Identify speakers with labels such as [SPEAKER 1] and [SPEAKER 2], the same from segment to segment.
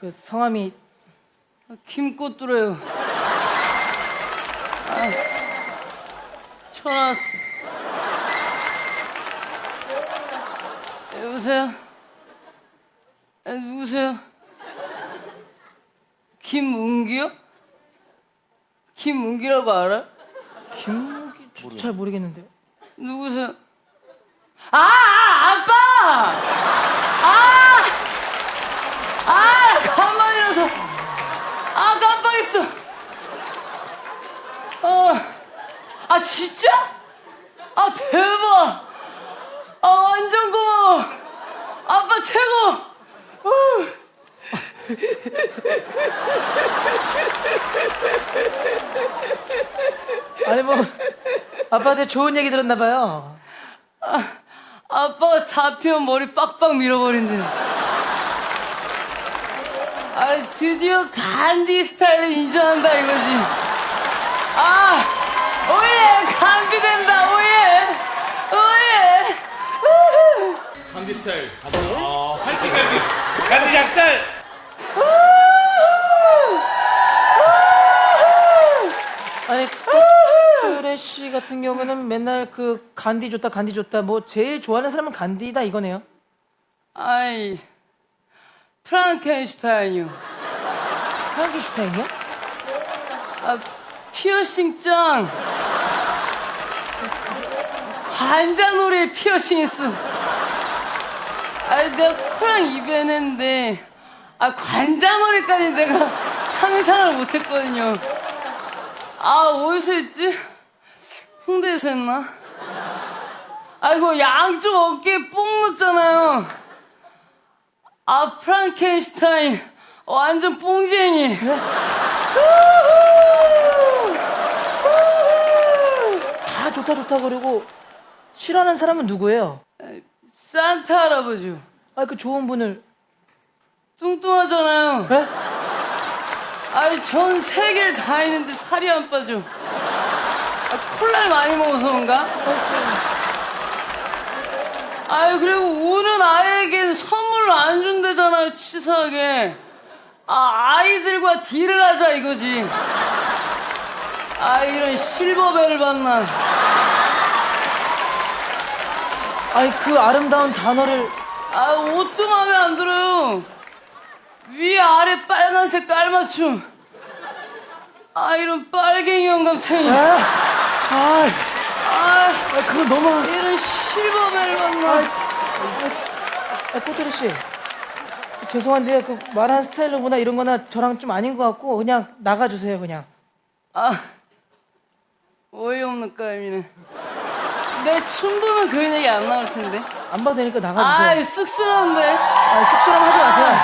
[SPEAKER 1] 그 성함이
[SPEAKER 2] 김꽃두래요. 전화 왔어. 여보세요? 누구세요? 김문기요? 김문기라고 알아?
[SPEAKER 1] 김문기 잘 모르겠는데요.
[SPEAKER 2] 누구세요? 아빠! 가만히서 깜빡했어. 진짜? 대박! 완전 고마워. 아빠 최고.
[SPEAKER 1] 아니 뭐 아빠한테 좋은 얘기 들었나 봐요.
[SPEAKER 2] 아빠가 잡히면 머리 빡빡 밀어버린대. 드디어 간디 스타일을 인정한다 이거지. 오예! 간디 된다, 오예!
[SPEAKER 3] 간디 스타일. 살찐 간디. 간디 약살.
[SPEAKER 1] 아니 꽃뚜레 씨 같은 경우는 맨날 그 간디 좋다 뭐 제일 좋아하는 사람은 간디다 이거네요.
[SPEAKER 2] 프랑켄슈타인이요.
[SPEAKER 1] 프랑켄슈타인이요?
[SPEAKER 2] 피어싱짱. 관자놀이에 피어싱 했어. 내가 코랑 입에 했는데 관자놀이까지 내가 상상을 못했거든요. 어디서 했지? 홍대에서 했나? 이거 양쪽 어깨에 뽕 넣었잖아요. 프랑켄슈타인 완전 뽕쟁이.
[SPEAKER 1] 다 좋다 그리고 싫어하는 사람은 누구예요?
[SPEAKER 2] 산타 할아버지요.
[SPEAKER 1] 그 좋은 분을.
[SPEAKER 2] 뚱뚱하잖아요.
[SPEAKER 1] 네?
[SPEAKER 2] 전 세계를 다 했는데 살이 안 빠져. 콜라를 많이 먹어서 그런가? 그리고 우는 아이에게는 선물을 안 준대잖아요, 치사하게. 아이들과 딜을 하자 이거지. 이런 실버벨을 받나.
[SPEAKER 1] 그 아름다운 단어를.
[SPEAKER 2] 옷도 마음에 안 들어요. 위 아래 빨간색 깔맞춤. 이런 빨갱이 영감탱이.
[SPEAKER 1] 그거 너무.
[SPEAKER 2] 이런 실버벨을 받나.
[SPEAKER 1] 꽃뚜레 씨 죄송한데요, 그 말하는 스타일로구나 이런 거나 저랑 좀 아닌 것 같고 그냥 나가주세요 그냥.
[SPEAKER 2] 어이없는 까임이네. 내 춤 보면 그런 얘기 안 나올 텐데.
[SPEAKER 1] 안 봐도 되니까 나가주세요.
[SPEAKER 2] 쑥스러운데.
[SPEAKER 1] 쑥스러움 하지 마세요.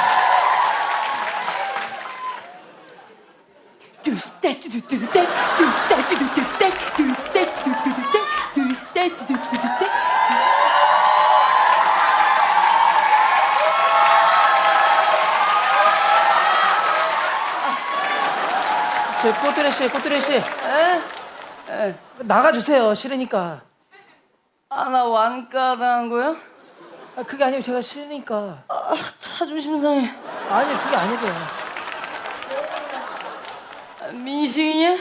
[SPEAKER 1] 꽃뚜레 씨 나가주세요. 싫으니까.
[SPEAKER 2] 나 완가당한 거야?
[SPEAKER 1] 그게 아니고 제가 싫으니까.
[SPEAKER 2] 자존심 상해.
[SPEAKER 1] 아니 그게 아니고요.
[SPEAKER 2] 민식이냐?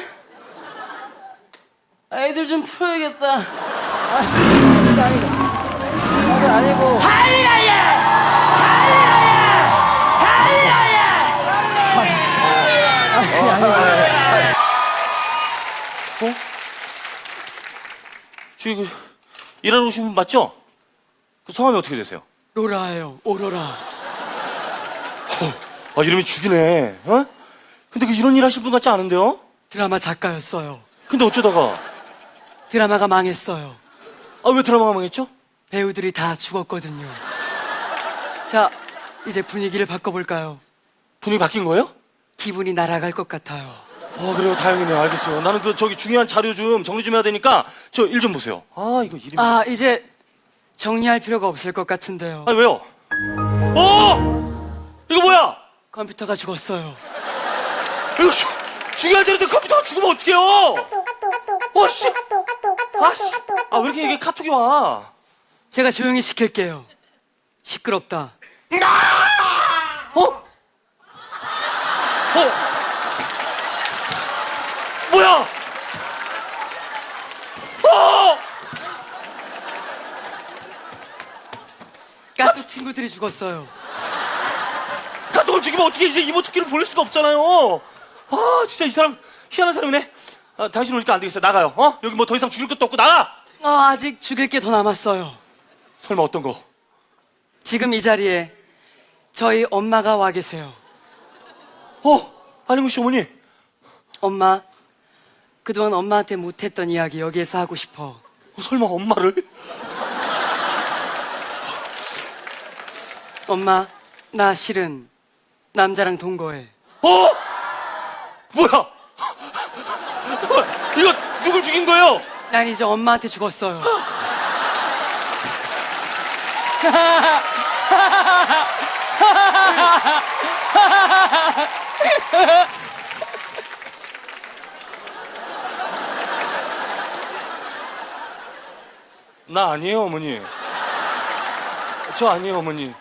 [SPEAKER 2] 애들 좀 풀어야겠다.
[SPEAKER 1] 그게 아니고. 그게 아니고. 그게 아니고.
[SPEAKER 3] 저기 그 일하러 오신 분 맞죠? 그 성함이 어떻게 되세요?
[SPEAKER 4] 로라예요. 오로라.
[SPEAKER 3] 이름이 죽이네. 근데 이런 일 하실 분 같지 않은데요?
[SPEAKER 4] 드라마 작가였어요.
[SPEAKER 3] 근데 어쩌다가?
[SPEAKER 4] 드라마가 망했어요.
[SPEAKER 3] 왜 드라마가 망했죠?
[SPEAKER 4] 배우들이 다 죽었거든요. 자, 이제 분위기를 바꿔볼까요?
[SPEAKER 3] 분위기 바뀐 거예요?
[SPEAKER 4] 기분이 날아갈 것 같아요.
[SPEAKER 3] 그래요. 다행이네요. 알겠어요. 나는 저기 중요한 자료 좀 정리 좀 해야 되니까 저 일 좀 보세요. 이거 이름이.
[SPEAKER 4] 이제 정리할 필요가 없을 것 같은데요.
[SPEAKER 3] 왜요? 이거 뭐야?
[SPEAKER 4] 컴퓨터가 죽었어요.
[SPEAKER 3] 이거 중요한 자료인데 컴퓨터가 죽으면 어떡해요? 씨. 왜 이렇게 이게 카톡이 와?
[SPEAKER 4] 제가 조용히 시킬게요. 시끄럽다.
[SPEAKER 3] 뭐야?
[SPEAKER 4] 까뚝 친구들이 죽었어요.
[SPEAKER 3] 카톡을 죽이면 어떻게 이제 이모티콘을 보낼 수가 없잖아요. 아, 진짜 이 사람 희한한 사람이네. 아, 당신 오니까 안 되겠어. 나가요. 여기 뭐 더 이상 죽일 것도 없고 나가.
[SPEAKER 4] 아직 죽일 게 더 남았어요.
[SPEAKER 3] 설마 어떤 거?
[SPEAKER 4] 지금 이 자리에 저희 엄마가 와 계세요.
[SPEAKER 3] 안희문 씨 어머니.
[SPEAKER 4] 엄마, 그동안 엄마한테 못했던 이야기 여기에서 하고 싶어.
[SPEAKER 3] 설마 엄마를?
[SPEAKER 4] 엄마, 나 실은 남자랑 동거해.
[SPEAKER 3] 뭐야? 뭐야? 이거 누굴 죽인 거예요?
[SPEAKER 4] 난 이제 엄마한테 죽었어요.
[SPEAKER 3] 나 아니에요, 어머니. 저 아니에요, 어머니.